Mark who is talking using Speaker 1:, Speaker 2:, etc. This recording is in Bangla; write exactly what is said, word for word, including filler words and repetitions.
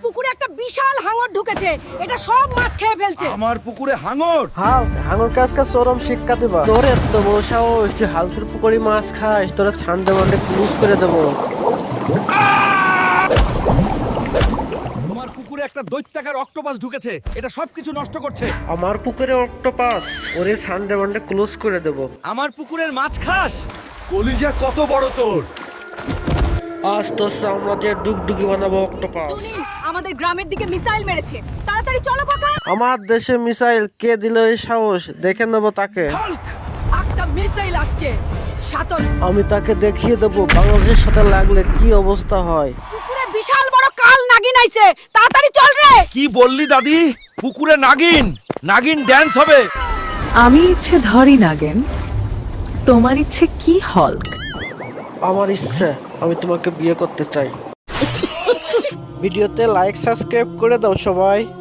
Speaker 1: পুকুরে একটা বিশাল হাঙর ঢুকেছে, এটা সব মাছ খেয়ে ফেলছে।
Speaker 2: আমার পুকুরে হাঙর?
Speaker 3: হাল্ক, হাঙর কাজকে চরম শিক্ষা দিবা। তোর এত বড় সাহস, তুই হালকের পুকুরে মাছ খাস, তোরা ছান্ডে মান্ডে ক্লোজ করে দেবো।
Speaker 2: তোমার পুকুরে একটা দৈত্যাকার অক্টোপাস ঢুকেছে, এটা সবকিছু নষ্ট করছে।
Speaker 3: আমার পুকুরে অক্টোপাস, ওরে ছান্ডে মান্ডে ক্লোজ করে দেবো।
Speaker 2: আমার পুকুরের মাছ খাস? কলিজা কত বড় তোর!
Speaker 3: আজ তোর চামড়া দিয়ে ডুগডুগি বানাবো অক্টোপাস।
Speaker 1: টুনি, আমাদের গ্রামের দিকে মিসাইল মেরেছে, তাড়াতাড়ি চলো কাকা।
Speaker 3: আমার দেশে মিসাইল কে দিল এই সাহস, দেখে নেবো তাকে।
Speaker 2: হাল্ক!
Speaker 1: একটা মিসাইল আসছে, সাতন।
Speaker 3: আমি তাকে দেখিয়ে দেবো বাংলাদেশের সাথে লাগলে কি অবস্থা হয়।
Speaker 1: পুকুরে বিশাল বড় কাল নাগিন আইছে, তাড়াতাড়ি চল রে।
Speaker 2: কি বললি দাদি? পুকুরে নাগিন? নাগিন ড্যান্স হবে?
Speaker 4: আমি ইচ্ছে ধরি নাগেন, তোমার ইচ্ছে কি হল্ক?
Speaker 3: আমার ইচ্ছে, আমি তোমাকে বিয়ে করতে চাই। ভিডিওতে লাইক সাবস্ক্রাইব করে দাও সবাই।